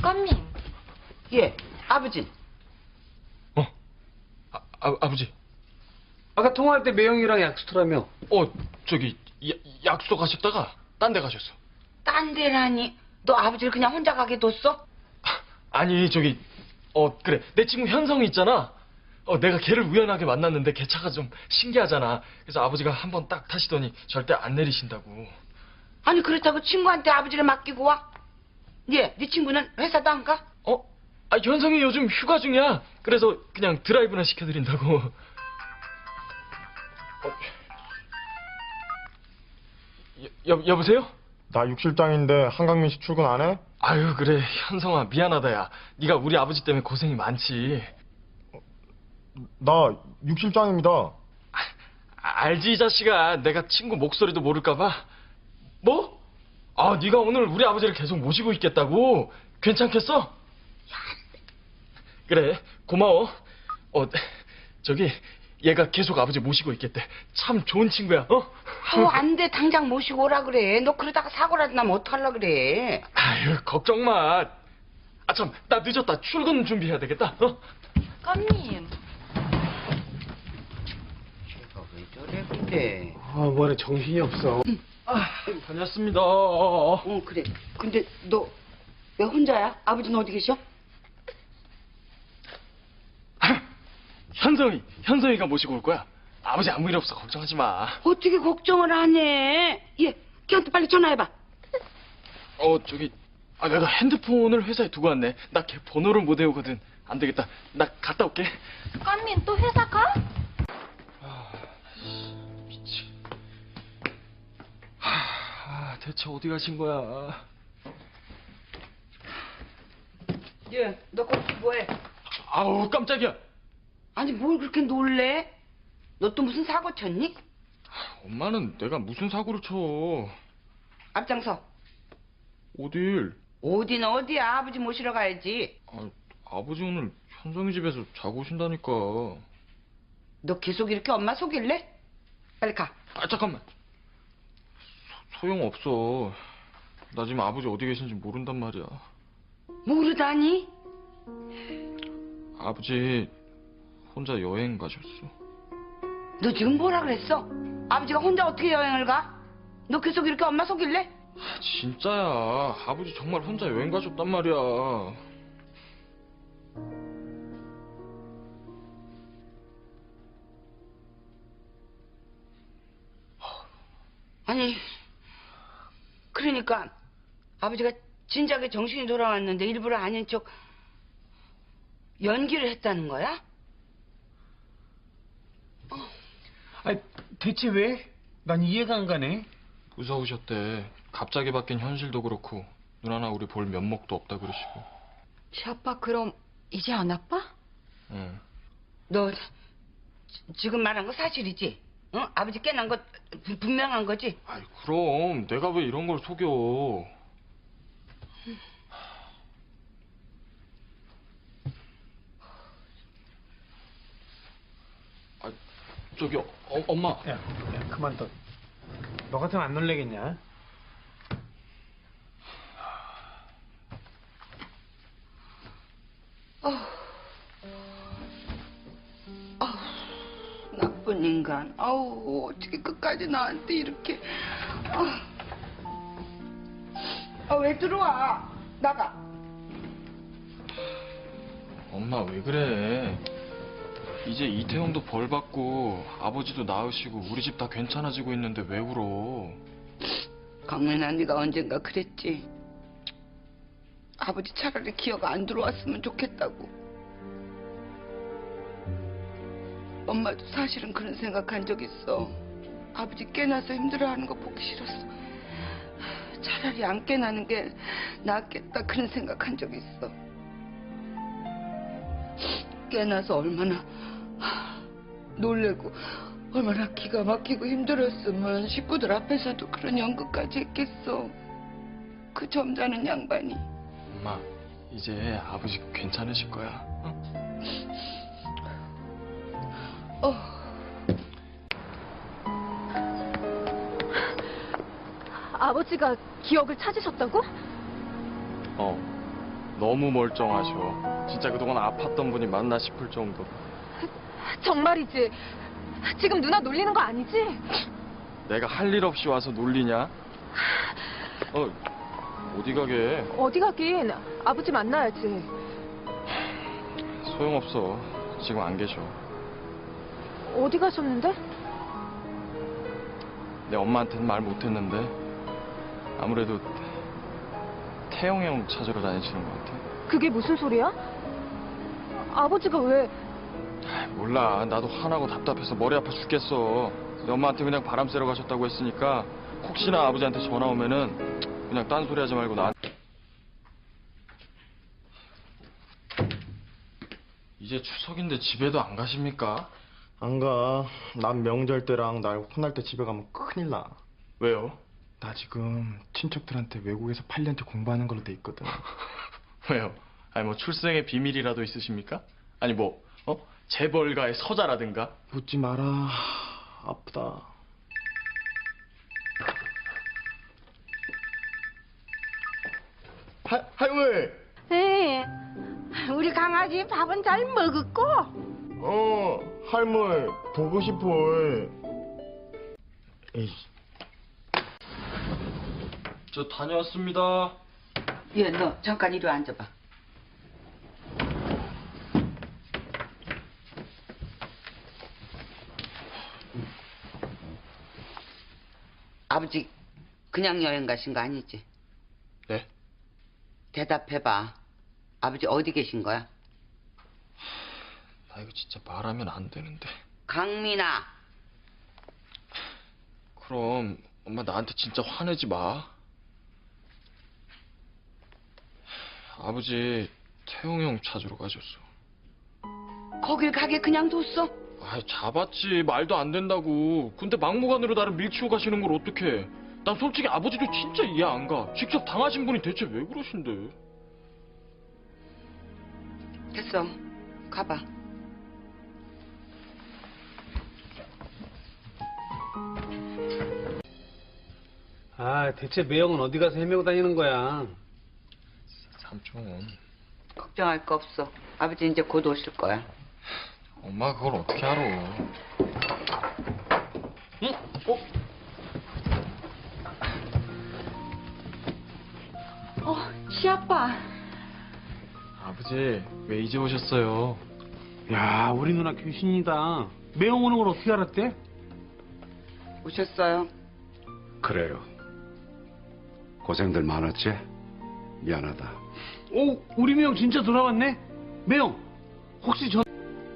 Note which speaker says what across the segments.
Speaker 1: 껌님.
Speaker 2: 예, 아버지.
Speaker 3: 아버지.
Speaker 4: 아까 통화할 때 매형이랑 약속하라며.
Speaker 3: 저기 약속하셨다가 딴 데 가셨어.
Speaker 2: 딴 데라니. 너 아버지를 그냥 혼자 가게 뒀어?
Speaker 3: 아니 저기 그래 내 친구 현성이 있잖아. 내가 걔를 우연하게 만났는데 걔 차가 좀 신기하잖아. 그래서 아버지가 한번 딱 타시더니 절대 안 내리신다고.
Speaker 2: 아니 그렇다고 친구한테 아버지를 맡기고 와? 예, 네 친구는 회사도 안 가?
Speaker 3: 현성이 요즘 휴가 중이야. 그래서 그냥 드라이브나 시켜드린다고. 여보세요?
Speaker 5: 나 육실장인데 한강민 씨 출근 안 해?
Speaker 3: 아유 그래 현성아 미안하다 야. 네가 우리 아버지 때문에 고생이 많지.
Speaker 5: 나 육실장입니다.
Speaker 3: 알지 이 자식아. 내가 친구 목소리도 모를까봐. 뭐? 네가 오늘 우리 아버지를 계속 모시고 있겠다고? 괜찮겠어? 그래 고마워. 저기 얘가 계속 아버지 모시고 있겠대. 참 좋은 친구야.
Speaker 2: 안 돼. 당장 모시고 오라 그래. 너 그러다가 사고라도 나면 어떡하려 그래.
Speaker 3: 아유 걱정 마. 참 나 늦었다. 출근 준비해야 되겠다.
Speaker 1: 껌님.
Speaker 2: 걔가 왜 저래 근데.
Speaker 4: 뭐래 정신이 없어.
Speaker 3: 다녔습니다.
Speaker 2: 그래. 근데 너 왜 혼자야? 아버지는 어디 계셔?
Speaker 3: 현성이가 모시고 올 거야. 아버지 아무 일 없어. 걱정하지 마.
Speaker 2: 어떻게 걱정을 안 해? 예, 걔한테 빨리 전화해봐.
Speaker 3: 저기 내가 핸드폰을 회사에 두고 왔네. 나 걔 번호를 못 외우거든. 안 되겠다. 나 갔다 올게.
Speaker 1: 껌님 또 회사 가?
Speaker 3: 미치. 대체 어디 가신 거야?
Speaker 2: 예, 너 거기서 뭐해?
Speaker 3: 아우 깜짝이야.
Speaker 2: 아니 뭘 그렇게 놀래? 너 또 무슨 사고 쳤니?
Speaker 3: 엄마는 내가 무슨 사고를 쳐.
Speaker 2: 앞장서.
Speaker 3: 어딜?
Speaker 2: 어디는 어디야? 아버지 모시러 가야지.
Speaker 3: 아버지 오늘 현성이 집에서 자고 오신다니까.
Speaker 2: 너 계속 이렇게 엄마 속일래? 빨리 가.
Speaker 3: 잠깐만. 소용없어. 나 지금 아버지 어디 계신지 모른단 말이야.
Speaker 2: 모르다니?
Speaker 3: 아버지 혼자 여행 가셨어.
Speaker 2: 너 지금 뭐라 그랬어? 아버지가 혼자 어떻게 여행을 가? 너 계속 이렇게 엄마 속일래?
Speaker 3: 진짜야. 아버지 정말 혼자 여행 가셨단 말이야.
Speaker 2: 아니 그러니까 아버지가 진작에 정신이 돌아왔는데 일부러 아닌 척 연기를 했다는 거야?
Speaker 4: 대체 왜? 난 이해가 안 가네.
Speaker 3: 무서우셨대. 갑자기 바뀐 현실도 그렇고 누나나 우리 볼 면목도 없다 그러시고.
Speaker 1: 지 아빠 그럼 이제 안 아파?
Speaker 3: 응.
Speaker 2: 너 지금 말한 거 사실이지? 응? 아버지 깨난 거 분명한 거지?
Speaker 3: 그럼 내가 왜 이런 걸 속여. 저기 엄마.
Speaker 4: 야, 그만둬. 너 같으면 안 놀래겠냐?
Speaker 2: 나쁜 인간. 어떻게 끝까지 나한테 이렇게. 왜 들어와? 나가.
Speaker 3: 엄마 왜 그래. 이제 이태형도 벌 받고 아버지도 나으시고 우리 집 다 괜찮아지고 있는데 왜 울어.
Speaker 2: 강민아, 네가 언젠가 그랬지. 아버지 차라리 기억 안 들어왔으면 좋겠다고. 엄마도 사실은 그런 생각한 적 있어. 아버지 깨나서 힘들어하는 거 보기 싫었어. 차라리 안 깨나는 게 낫겠다 그런 생각한 적 있어. 깨나서 얼마나 놀래고 얼마나 기가 막히고 힘들었으면 식구들 앞에서도 그런 연극까지 했겠어. 그 점잖은 양반이.
Speaker 3: 엄마 이제 아버지 괜찮으실 거야.
Speaker 1: 아버지가 기억을 찾으셨다고?
Speaker 3: 너무 멀쩡하셔. 진짜 그동안 아팠던 분이 맞나 싶을 정도.
Speaker 6: 정말이지. 지금 누나 놀리는 거 아니지?
Speaker 3: 내가 할 일 없이 와서 놀리냐? 어디 가게?
Speaker 6: 어디 가긴. 아버지 만나야지.
Speaker 3: 소용없어. 지금 안 계셔.
Speaker 6: 어디 가셨는데?
Speaker 3: 내 엄마한테는 말 못했는데 아무래도 태영이 형 찾으러 다니시는 것 같아.
Speaker 6: 그게 무슨 소리야? 아버지가 왜...
Speaker 3: 몰라. 나도 화나고 답답해서 머리 아파 죽겠어. 내 엄마한테 그냥 바람 쐬러 가셨다고 했으니까 혹시나 아버지한테 전화 오면은 그냥 딴소리 하지 말고 나. 이제 추석인데 집에도 안 가십니까?
Speaker 5: 안 가. 난 명절 때랑 날 혼날 때 집에 가면 큰일 나.
Speaker 3: 왜요?
Speaker 5: 나 지금 친척들한테 외국에서 8년째 공부하는 걸로 돼 있거든.
Speaker 3: 왜요? 아니 뭐 출생의 비밀이라도 있으십니까? 아니 뭐 재벌가의 서자라든가?
Speaker 5: 묻지 마라. 아프다. 할머니!
Speaker 2: 네. 우리 강아지 밥은 잘 먹었고?
Speaker 5: 할머니, 보고 싶어. 에이.
Speaker 3: 저 다녀왔습니다.
Speaker 2: 얘, 너 잠깐 이리 앉아봐. 아버지 그냥 여행 가신 거 아니지?
Speaker 3: 네?
Speaker 2: 대답해봐. 아버지 어디 계신 거야?
Speaker 3: 나 이거 진짜 말하면 안 되는데.
Speaker 2: 강민아.
Speaker 3: 그럼 엄마 나한테 진짜 화내지 마. 아버지 태용이 형 찾으러 가셨어.
Speaker 2: 거길 가게 그냥 뒀어?
Speaker 3: 잡았지. 말도 안 된다고. 근데 막무가내로 나를 밀치고 가시는 걸 어떡해. 난 솔직히 아버지도 진짜 이해 안 가. 직접 당하신 분이 대체 왜 그러신데.
Speaker 2: 됐어. 가봐.
Speaker 4: 대체 매형은 어디 가서 헤매고 다니는 거야?
Speaker 3: 삼촌.
Speaker 2: 걱정할 거 없어. 아버지 이제 곧 오실 거야.
Speaker 3: 엄마 그걸 어떻게 알아. 응?
Speaker 1: 시아빠.
Speaker 3: 아버지 왜 이제 오셨어요?
Speaker 4: 야, 우리 누나 귀신이다. 매형 오는 걸 어떻게 알았대?
Speaker 2: 오셨어요?
Speaker 7: 그래요. 고생들 많았지? 미안하다.
Speaker 4: 오, 우리 매형 진짜 돌아왔네? 매형, 혹시 저...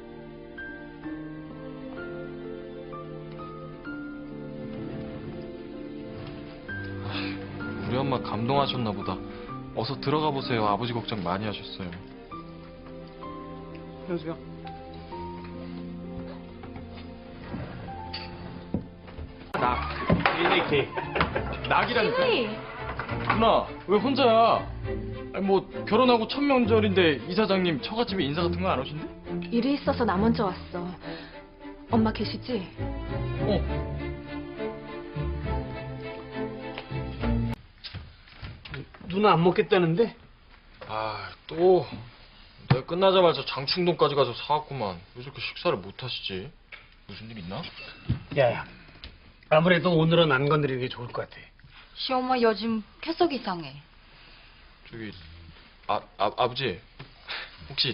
Speaker 3: 우리 엄마 감동하셨나 보다. 어서 들어가 보세요. 아버지 걱정 많이 하셨어요.
Speaker 4: 현수야. 케이크.
Speaker 3: 낙이라니까. 누나 왜 혼자야? 아니 뭐 결혼하고 첫 명절인데 이사장님 처갓집에 인사 같은 거 안 오신대?
Speaker 6: 일이 있어서 나 먼저 왔어. 엄마 계시지?
Speaker 4: 누나 안 먹겠다는데?
Speaker 3: 또 내가 끝나자마자 장충동까지 가서 사왔구만. 왜 저렇게 식사를 못 하시지? 무슨 일 있나?
Speaker 4: 야, 아무래도 오늘은 안 건드리는 게 좋을 것 같아.
Speaker 1: 시엄마 요즘 계속 이상해.
Speaker 3: 저기 아버지 혹시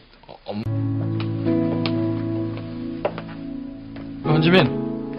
Speaker 3: 현지민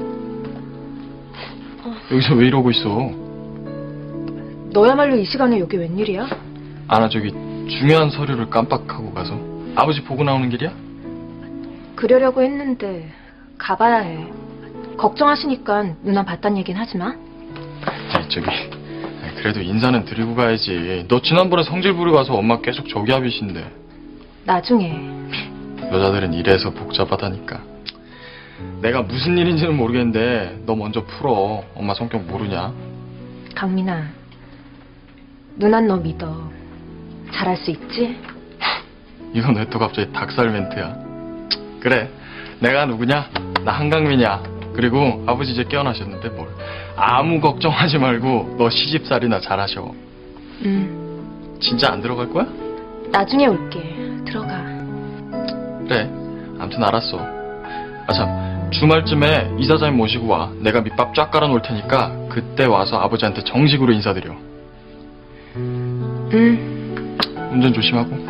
Speaker 3: 여기서 왜 이러고 있어?
Speaker 6: 너야말로 이 시간에 여기 웬일이야?
Speaker 3: 저기 중요한 서류를 깜빡하고 가서. 아버지 보고 나오는 길이야?
Speaker 6: 그러려고 했는데 가봐야 해. 걱정하시니까 누나 봤단 얘긴 하지 마.
Speaker 3: 저기 그래도 인사는 드리고 가야지. 너 지난번에 성질 부리고 와서 엄마 계속 저기압이신데.
Speaker 6: 나중에.
Speaker 3: 여자들은 이래서 복잡하다니까. 내가 무슨 일인지는 모르겠는데 너 먼저 풀어. 엄마 성격 모르냐?
Speaker 6: 강민아, 누난 너 믿어. 잘할 수 있지?
Speaker 3: 이건 왜 또 갑자기 닭살 멘트야? 그래, 내가 누구냐? 나 한강민이야. 그리고 아버지 이제 깨어나셨는데 뭘. 아무 걱정하지 말고 너 시집살이나 잘하셔.
Speaker 6: 응.
Speaker 3: 진짜 안 들어갈 거야?
Speaker 6: 나중에 올게. 들어가.
Speaker 3: 그래. 아무튼 알았어. 아 참, 주말쯤에 이사장님 모시고 와. 내가 밑밥 쫙 깔아놓을 테니까 그때 와서 아버지한테 정식으로 인사드려. 운전 조심하고.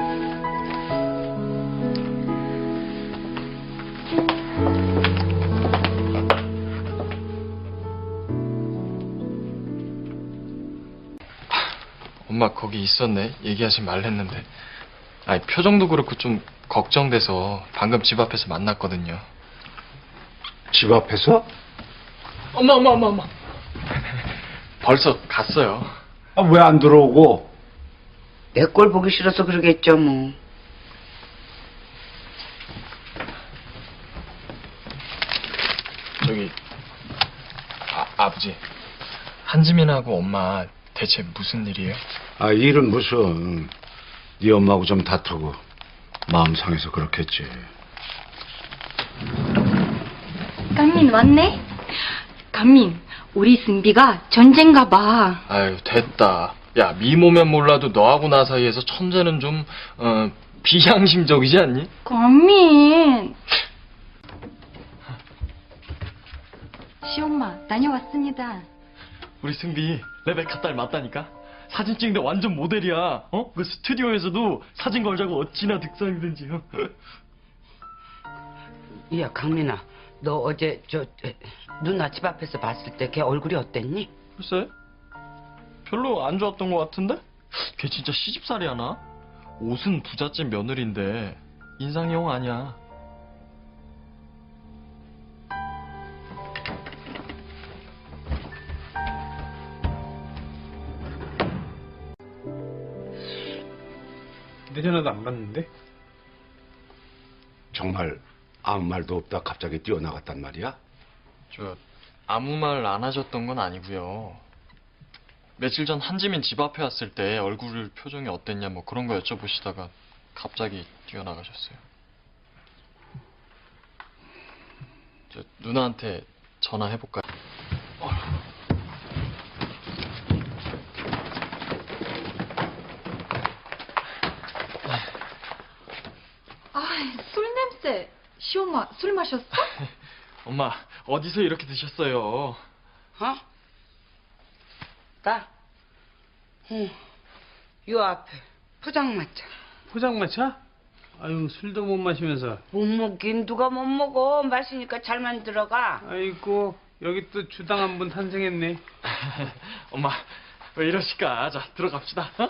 Speaker 3: 엄마 거기 있었네. 얘기하지 말랬는데. 아니 표정도 그렇고 좀 걱정돼서 방금 집 앞에서 만났거든요.
Speaker 7: 집 앞에서?
Speaker 3: 엄마. 벌써 갔어요.
Speaker 7: 아, 왜 안 들어오고?
Speaker 2: 내 꼴 보기 싫어서 그러겠죠 뭐.
Speaker 3: 저기 아버지, 한지민하고 엄마 대체 무슨 일이에요?
Speaker 7: 아, 일은 무슨. 네 엄마하고 좀 다투고 마음 상해서 그렇겠지.
Speaker 1: 강민 왔네? 강민, 우리 승비가 전쟁가 봐.
Speaker 3: 아유 됐다. 야 미모면 몰라도 너하고 나 사이에서 천재는 좀 비양심적이지 않니?
Speaker 1: 강민. 시엄마, 다녀왔습니다.
Speaker 3: 우리 승비 레베카 딸 맞다니까? 사진 찍는데 완전 모델이야. 어? 그 스튜디오에서도 사진 걸자고 어찌나 득상이든지.
Speaker 2: 야 강민아, 너 어제 누나 집 앞에서 봤을 때 걔 얼굴이 어땠니?
Speaker 3: 글쎄 별로 안 좋았던 것 같은데? 걔 진짜 시집살이 하나? 옷은 부잣집 며느리인데 인상이 영 아니야.
Speaker 4: 내 전화도 안 받는데?
Speaker 7: 정말 아무 말도 없다 갑자기 뛰어나갔단 말이야?
Speaker 3: 저 아무 말 안 하셨던 건 아니고요. 며칠 전 한지민 집 앞에 왔을 때 얼굴 표정이 어땠냐 뭐 그런 거 여쭤보시다가 갑자기 뛰어나가셨어요. 저 누나한테 전화해볼까요?
Speaker 1: 아, 술 냄새. 시엄마, 술 마셨어?
Speaker 3: 엄마 어디서 이렇게 드셨어요?
Speaker 2: 어? 나? 요 앞에 포장마차.
Speaker 4: 포장마차? 아유, 술도 못 마시면서.
Speaker 2: 못 먹긴 누가 못 먹어. 마시니까 잘만 들어가.
Speaker 4: 아이고, 여기 또 주당 한 분 탄생했네.
Speaker 3: 엄마 왜 이러실까? 자 들어갑시다. 어?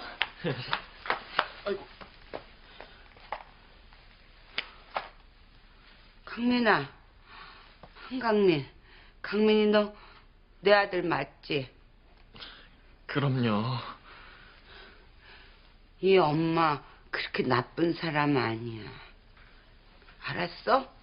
Speaker 2: 강민아, 한강민. 강민이 너 내 아들 맞지?
Speaker 3: 그럼요.
Speaker 2: 이 엄마 그렇게 나쁜 사람 아니야. 알았어?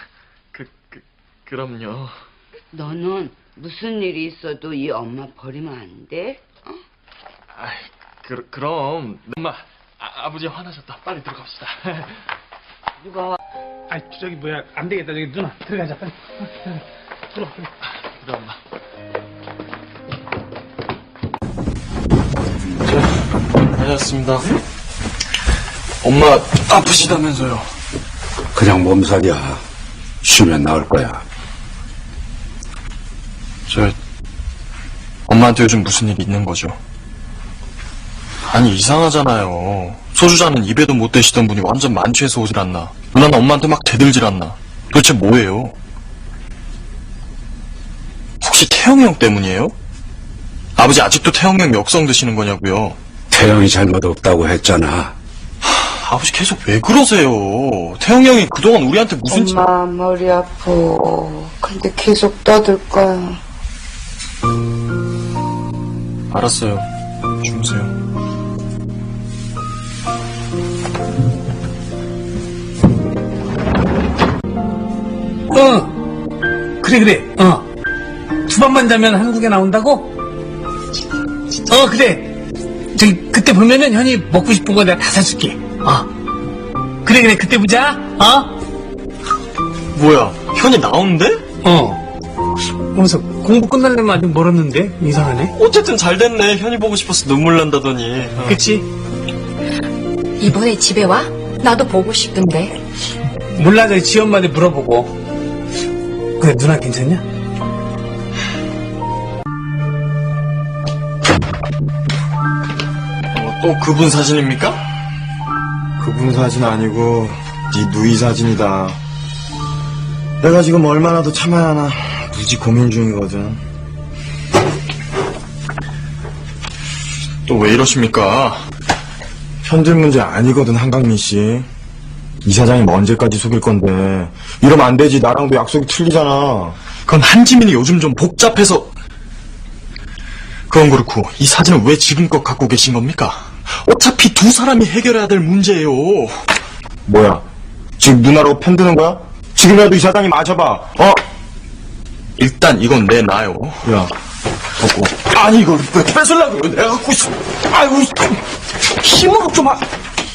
Speaker 3: 그럼요.
Speaker 2: 너는 무슨 일이 있어도 이 엄마 버리면 안 돼? 어?
Speaker 3: 아이, 그럼 엄마 아버지 화나셨다. 빨리 들어갑시다.
Speaker 2: 누가
Speaker 4: 아, 저기 뭐야, 안 되겠다. 저기 누나 들어가자. 빨리. 들어와.
Speaker 3: 그래 엄마. 다녀왔습니다. 엄마 아프시다면서요?
Speaker 7: 그냥 몸살이야. 쉬면 나을 거야.
Speaker 3: 저 엄마한테 요즘 무슨 일 있는 거죠? 아니 이상하잖아요. 소주잔은 입에도 못 대시던 분이 완전 만취해서 오질 않나. 누나는 엄마한테 막 대들질 않나. 도대체 뭐예요? 혹시 태영이 형 때문이에요? 아버지 아직도 태영이 형 역성 드시는 거냐고요?
Speaker 7: 태영이 잘못 없다고 했잖아.
Speaker 3: 아버지 계속 왜 그러세요? 태영이 형이 그동안 우리한테 무슨
Speaker 2: 엄마 머리 아파. 근데 계속 떠들 거야.
Speaker 3: 알았어요. 주무세요.
Speaker 4: 그래. 두 밤만 자면 한국에 나온다고? 그래. 저기, 그때 보면은 현이 먹고 싶은 거 내가 다 사줄게. 그래. 그때 보자.
Speaker 3: 뭐야? 현이 나오는데?
Speaker 4: 그러면서 공부 끝나려면 아직 멀었는데? 이상하네.
Speaker 3: 어쨌든 잘 됐네. 현이 보고 싶어서 눈물 난다더니.
Speaker 4: 그치?
Speaker 8: 이번에 집에 와? 나도 보고 싶은데.
Speaker 4: 몰라, 저기 지엄마한테 물어보고. 근데 누나 괜찮냐?
Speaker 3: 또 그분 사진입니까?
Speaker 5: 그분 사진 아니고 네 누이 사진이다. 내가 지금 얼마나 더 참아야 하나 무지 고민 중이거든.
Speaker 3: 또 왜 이러십니까?
Speaker 5: 현질 문제 아니거든, 한강민 씨. 이사장이 언제까지 속일 건데. 이러면 안 되지. 나랑도 약속이 틀리잖아.
Speaker 3: 그건 한지민이 요즘 좀 복잡해서. 그건 그렇고 이 사진을 왜 지금껏 갖고 계신 겁니까? 어차피 두 사람이 해결해야 될 문제예요.
Speaker 5: 뭐야? 지금 누나라고 편드는 거야? 지금이라도 이사장이 맞아봐.
Speaker 3: 일단 이건 내놔요.
Speaker 5: 야,
Speaker 3: 갖고. 아니 이걸 왜 뺏으려고 그래? 내가 갖고 있어. 아이고 힘으로 좀 하.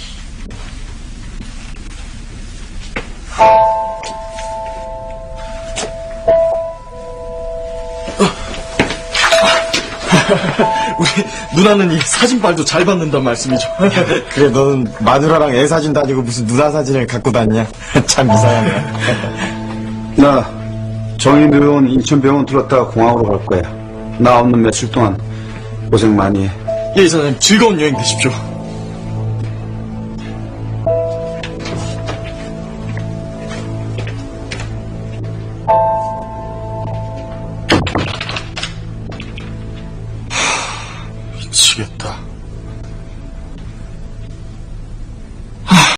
Speaker 3: 우리 누나는 이 사진빨도 잘 받는단 말씀이죠.
Speaker 5: 그래, 너는 마누라랑 애 사진 다니고 무슨 누나 사진을 갖고 다니냐? 참 이상하네.
Speaker 9: 나 정인병원 인천병원 들렀다가 공항으로 갈 거야. 나 없는 며칠 동안 고생 많이 해.
Speaker 3: 예, 이사장님 즐거운 여행 되십시오.